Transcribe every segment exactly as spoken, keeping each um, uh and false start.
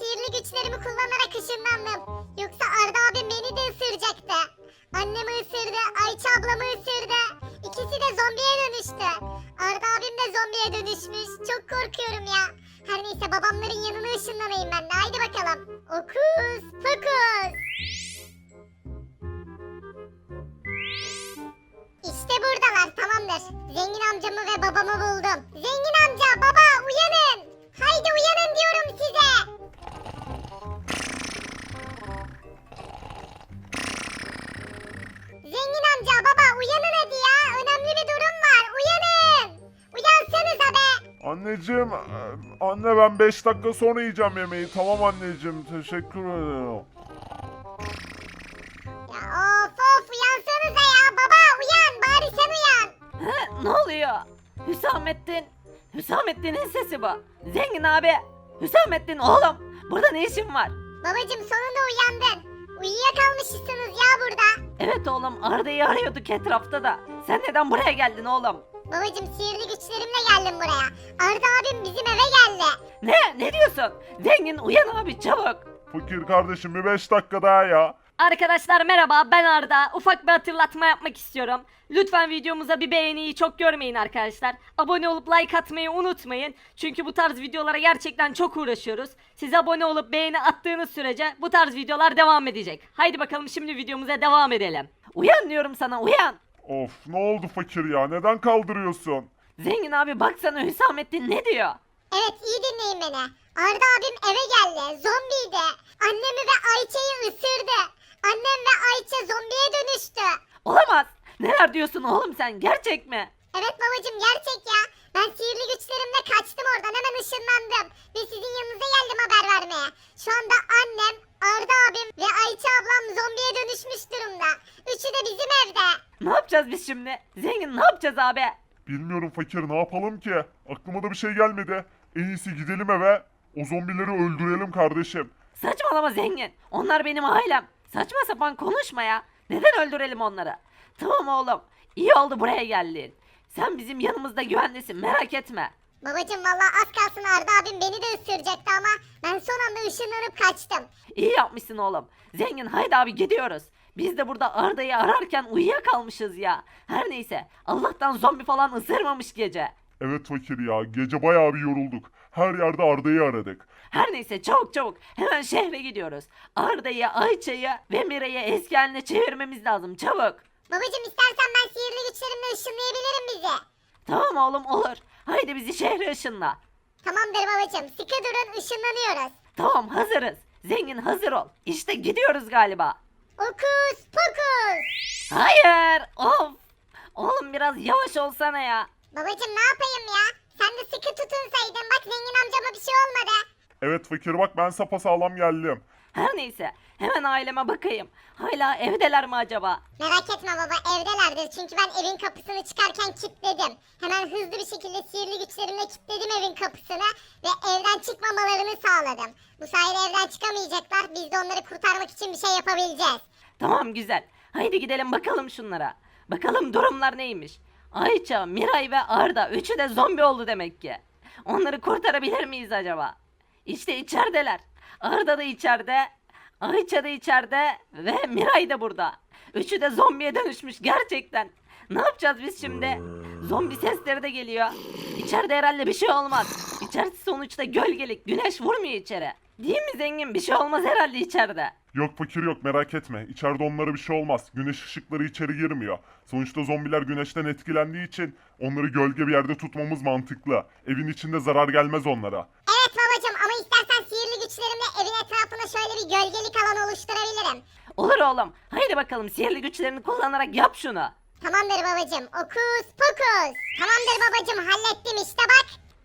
sihirli güçlerimi kullanarak ışınlandım. Yoksa Arda abim beni de ısıracaktı. Annemi ısırdı, Ayça ablamı ısırdı. İkisi de zombiye dönüştü. Arda abim de zombiye dönüşmüş. Çok korkuyorum ya. Her neyse babamların yanına ışınlanayım ben de. Haydi bakalım. Okus pokus. İşte buradalar, tamamdır. Zengin amcamı ve babamı buldum. Zengin amca, baba uyanın. Haydi uyanın diyorum size. Zengin amca, baba uyanın hadi ya. Önemli bir durum var. Uyanın. Uyansanıza be. Anneciğim, e, anne ben beş dakika sonra yiyeceğim yemeği. Tamam anneciğim, teşekkür ederim. Ya of of uyansanıza ya. Baba uyan. Bari sen uyan. He, ne oluyor? Hüsamettin. Hüsamettin'in sesi bu. Zengin abi. Hüsamettin oğlum. Burada ne işin var? Babacım sonunda uyandın. Uyuyakalmışsınız ya burada. Evet oğlum Arda'yı arıyorduk etrafta da. Sen neden buraya geldin oğlum? Babacım sihirli güçlerimle geldim buraya. Arda abim bizim eve geldi. Ne? Ne diyorsun? Zengin uyan abi çabuk. Fakir kardeşim bir beş dakika daha ya. Arkadaşlar merhaba ben Arda. Ufak bir hatırlatma yapmak istiyorum. Lütfen videomuza bir beğeniyi çok görmeyin arkadaşlar. Abone olup like atmayı unutmayın. Çünkü bu tarz videolara gerçekten çok uğraşıyoruz. Siz abone olup beğeni attığınız sürece bu tarz videolar devam edecek. Haydi bakalım şimdi videomuza devam edelim. Uyan diyorum sana uyan. Of ne oldu fakir ya, neden kaldırıyorsun? Zengin abi baksana Hüsamettin ne diyor? Evet iyi dinleyin beni. Arda abim eve geldi. Zombiydi. Annemi ve Ayça'yı ısırdı. Annem ve Ayça zombiye dönüştü. Olamaz. Neler diyorsun oğlum sen gerçek mi? Evet babacım gerçek ya. Ben sihirli güçlerimle kaçtım oradan hemen ışınlandım. Ve sizin yanınıza geldim haber vermeye. Şu anda annem, Arda abim ve Ayça ablam zombiye dönüşmüş durumda. Üçü de bizim evde. Ne yapacağız biz şimdi? Zengin ne yapacağız abi? Bilmiyorum fakir, ne yapalım ki? Aklıma da bir şey gelmedi. En iyisi gidelim eve. O zombileri öldürelim kardeşim. Saçmalama zengin. Onlar benim ailem. Saçma sapan konuşma ya. Neden öldürelim onları? Tamam oğlum. İyi oldu buraya geldin. Sen bizim yanımızda güvendesin merak etme. Babacım valla az kalsın Arda abim beni de ısıracaktı ama ben son anda ışınlanıp kaçtım. İyi yapmışsın oğlum. Zengin haydi abi gidiyoruz. Biz de burada Arda'yı ararken uyuyakalmışız ya. Her neyse Allah'tan zombi falan ısırmamış gece. Evet fakir ya, gece bayağı bir yorulduk. Her yerde Arda'yı aradık. Her neyse çabuk çabuk hemen şehre gidiyoruz. Arda'yı, Ayça'yı ve Mira'yı eski haline çevirmemiz lazım çabuk. Babacım istersen ben sihirli güçlerimle ışınlayabilirim bizi. Tamam oğlum olur. Haydi bizi şehre ışınla. Tamamdır babacım sıkı durun ışınlanıyoruz. Tamam hazırız. Zengin hazır ol. İşte gidiyoruz galiba. Okus pokus. Hayır. Of. Oğlum biraz yavaş olsana ya. Babacım ne yapayım ya? Sen de sıkı tutunsaydın bak zengin amcama bir şey olmadı. Evet fakir bak, ben sapasağlam geldim. Her neyse hemen aileme bakayım. Hala evdeler mi acaba? Merak etme baba evdelerdir çünkü ben evin kapısını çıkarken kilitledim. Hemen hızlı bir şekilde sihirli güçlerimle kilitledim evin kapısını ve evden çıkmamalarını sağladım. Bu sayede evden çıkamayacaklar, biz de onları kurtarmak için bir şey yapabileceğiz. Tamam güzel. Haydi gidelim bakalım şunlara. Bakalım durumlar neymiş. Ayça, Miray ve Arda üçü de zombi oldu demek ki. Onları kurtarabilir miyiz acaba? İşte içerideler. Arda da içeride, Ayça da içeride ve Miray da burada. Üçü de zombiye dönüşmüş gerçekten. Ne yapacağız biz şimdi? Zombi sesleri de geliyor. İçeride herhalde bir şey olmaz. İçerisi sonuçta gölgelik, güneş vurmuyor içeri. Değil mi zengin? Bir şey olmaz herhalde içeride. Yok fakir yok, merak etme. İçeride onlara bir şey olmaz. Güneş ışıkları içeri girmiyor. Sonuçta zombiler güneşten etkilendiği için onları gölge bir yerde tutmamız mantıklı. Evin içinde zarar gelmez onlara. Evet babacım ama istersen sihirli güçlerimle evin etrafına şöyle bir gölgelik alan oluşturabilirim. Olur oğlum. Haydi bakalım sihirli güçlerini kullanarak yap şunu. Tamamdır babacım okus pokus. Tamamdır babacım hallettim işte bak.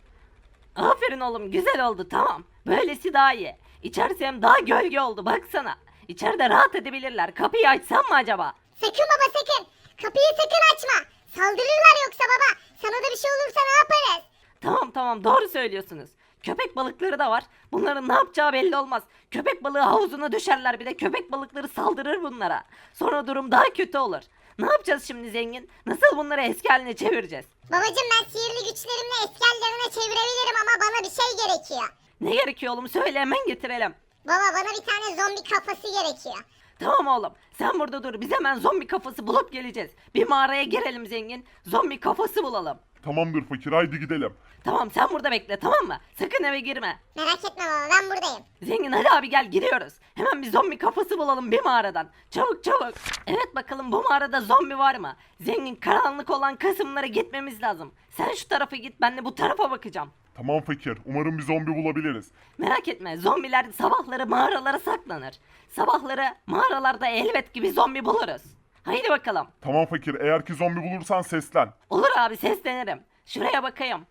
Aferin oğlum güzel oldu tamam. Böylesi daha iyi. İçerisi hem daha gölge oldu baksana. İçeride rahat edebilirler. Kapıyı açsam mı acaba? Sakın baba sakın. Kapıyı sakın açma. Saldırırlar yoksa baba. Sana da bir şey olursa ne yaparız? Tamam tamam doğru söylüyorsunuz. Köpek balıkları da var. Bunların ne yapacağı belli olmaz. Köpek balığı havuzuna düşerler bir de köpek balıkları saldırır bunlara. Sonra durum daha kötü olur. Ne yapacağız şimdi zengin? Nasıl bunları eski haline çevireceğiz? Babacım ben sihirli güçlerimle eski hallerine çevirebilirim ama bana bir şey gerekiyor. Ne gerekiyor oğlum söyle hemen getirelim. Baba bana bir tane zombi kafası gerekiyor. Tamam oğlum sen burada dur biz hemen zombi kafası bulup geleceğiz. Bir mağaraya girelim zengin zombi kafası bulalım. Tamamdır fakir, haydi gidelim. Tamam sen burada bekle tamam mı? Sakın eve girme. Merak etme baba ben buradayım. Zengin hadi abi gel gidiyoruz. Hemen bir zombi kafası bulalım bir mağaradan. Çabuk çabuk. Evet bakalım bu mağarada zombi var mı? Zengin karanlık olan kısımlara gitmemiz lazım. Sen şu tarafa git ben de bu tarafa bakacağım. Tamam fakir, umarım bir zombi bulabiliriz. Merak etme zombiler sabahları mağaralara saklanır. Sabahları mağaralarda elbet gibi zombi buluruz. Haydi bakalım. Tamam fakir, eğer ki zombi bulursan seslen. Olur abi seslenirim. Şuraya bakayım.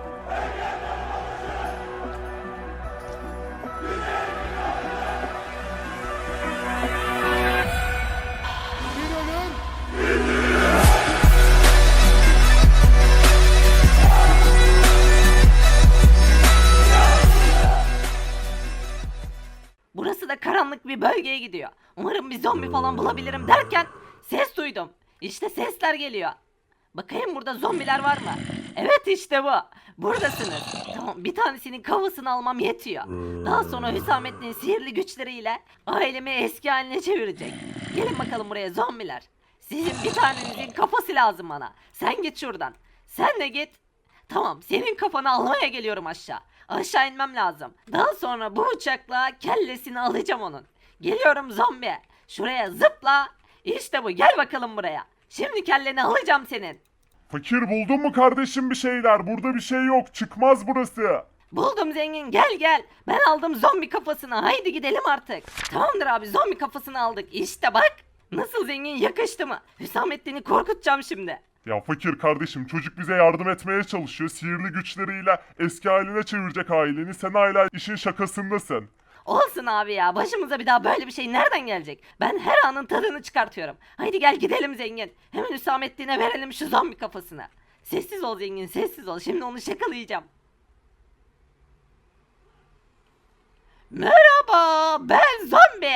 Burası da karanlık bir bölgeye gidiyor. Umarım bir zombi falan bulabilirim derken ses duydum. İşte sesler geliyor. Bakayım burada zombiler var mı? Evet işte bu. Buradasınız. Tamam bir tanesinin kafasını almam yetiyor. Daha sonra Hüsamettin'in sihirli güçleriyle ailemi eski haline çevirecek. Gelin bakalım buraya zombiler. Sizin bir tanenizin kafası lazım bana. Sen git şuradan. Sen de git. Tamam senin kafanı almaya geliyorum aşağı. Aşağı inmem lazım. Daha sonra bu bıçakla kellesini alacağım onun. Geliyorum zombi. Şuraya zıpla. İşte bu gel bakalım buraya. Şimdi kelleni alacağım senin. Fakir, buldun mu kardeşim bir şeyler? Burada bir şey yok, çıkmaz burası. Buldum zengin gel gel. Ben aldım zombi kafasını haydi gidelim artık. Tamamdır abi zombi kafasını aldık. İşte bak. Nasıl zengin yakıştı mı? Hüsamettin'i korkutacağım şimdi. Ya fakir kardeşim, çocuk bize yardım etmeye çalışıyor. Sihirli güçleriyle eski haline çevirecek aileni. Sen hala işin şakasındasın. Olsun abi ya başımıza bir daha böyle bir şey nereden gelecek? Ben her anın tadını çıkartıyorum. Haydi gel gidelim zengin. Hemen Hüsamettin'e verelim şu zombi kafasını. Sessiz ol zengin sessiz ol. Şimdi onu şakalayacağım. Merhaba ben zombi.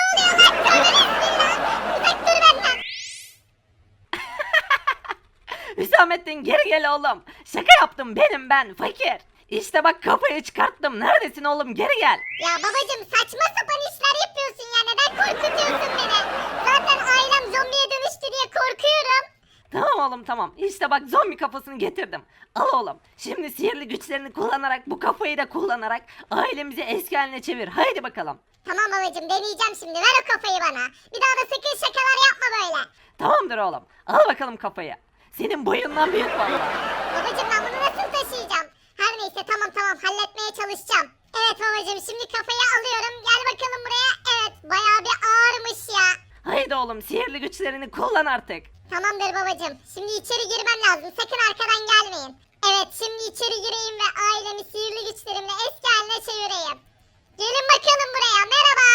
Hüsamettin geri gel oğlum. Şaka yaptım benim ben fakir. İşte bak kafayı çıkarttım. Neredesin oğlum geri gel. Ya babacım saçma sapan işler yapıyorsun ya neden korkutuyorsun beni? Zaten ailem zombiye dönüştü diye korkuyorum. Tamam oğlum tamam. İşte bak zombi kafasını getirdim. Al oğlum. Şimdi sihirli güçlerini kullanarak bu kafayı da kullanarak ailemizi eski haline çevir. Haydi bakalım. Tamam babacım deneyeceğim şimdi ver o kafayı bana. Bir daha da sakın şakalar yapma böyle. Tamamdır oğlum. Al bakalım kafayı. Senin boyundan büyük valla. Babacım ben bunu nasıl taşıyacağım? Her neyse tamam tamam halletmeye çalışacağım. Evet babacım şimdi kafayı alıyorum. Gel bakalım buraya. Evet bayağı bir ağırmış ya. Haydi oğlum sihirli güçlerini kullan artık. Tamamdır babacım. Şimdi içeri girmem lazım. Sakın arkadan gelmeyin. Evet şimdi içeri gireyim ve ailemi sihirli güçlerimle eski haline çevireyim. Gelin bakalım buraya. Merhaba.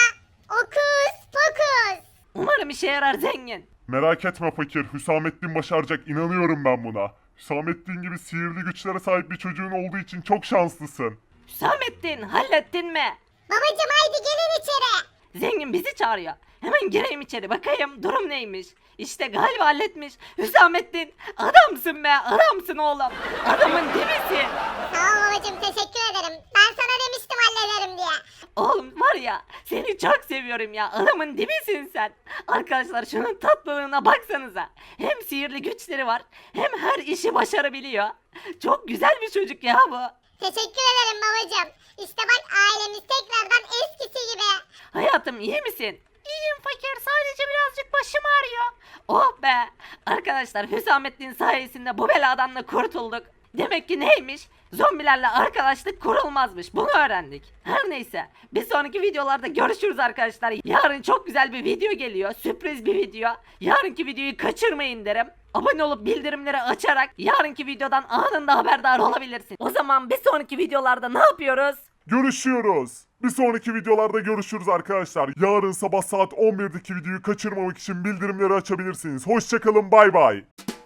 Okus pokus. Umarım işe yarar zengin. Merak etme fakir, Hüsamettin başaracak, inanıyorum ben buna. Hüsamettin gibi sihirli güçlere sahip bir çocuğun olduğu için çok şanslısın. Hüsamettin hallettin mi? Babacım haydi gelin içeri. Zengin bizi çağırıyor. Hemen gireyim içeri bakayım durum neymiş. İşte galiba halletmiş. Hüsamettin adamsın be adamsın oğlum. Adamın dibisin. Sağ ol babacım teşekkür ederim. Ben sana demiştim hallederim diye. Oğlum var ya seni çok seviyorum ya adamın dibisin sen. Arkadaşlar şunun tatlılığına baksanıza. Hem sihirli güçleri var hem her işi başarabiliyor. Çok güzel bir çocuk ya bu. Teşekkür ederim babacım. İşte bak ailemiz tekrardan eskisi gibi. Hayatım iyi misin? İyiyim fakir sadece birazcık başım ağrıyor. Oh be. Arkadaşlar Hüsamettin sayesinde bu beladan da kurtulduk. Demek ki neymiş? Zombilerle arkadaşlık kurulmazmış. Bunu öğrendik. Her neyse. Bir sonraki videolarda görüşürüz arkadaşlar. Yarın çok güzel bir video geliyor. Sürpriz bir video. Yarınki videoyu kaçırmayın derim. Abone olup bildirimleri açarak yarınki videodan anında haberdar olabilirsin. O zaman bir sonraki videolarda ne yapıyoruz? Görüşüyoruz. Bir sonraki videolarda görüşürüz arkadaşlar. Yarın sabah saat on birdeki videoyu kaçırmamak için bildirimleri açabilirsiniz. Hoşçakalın, bay bay.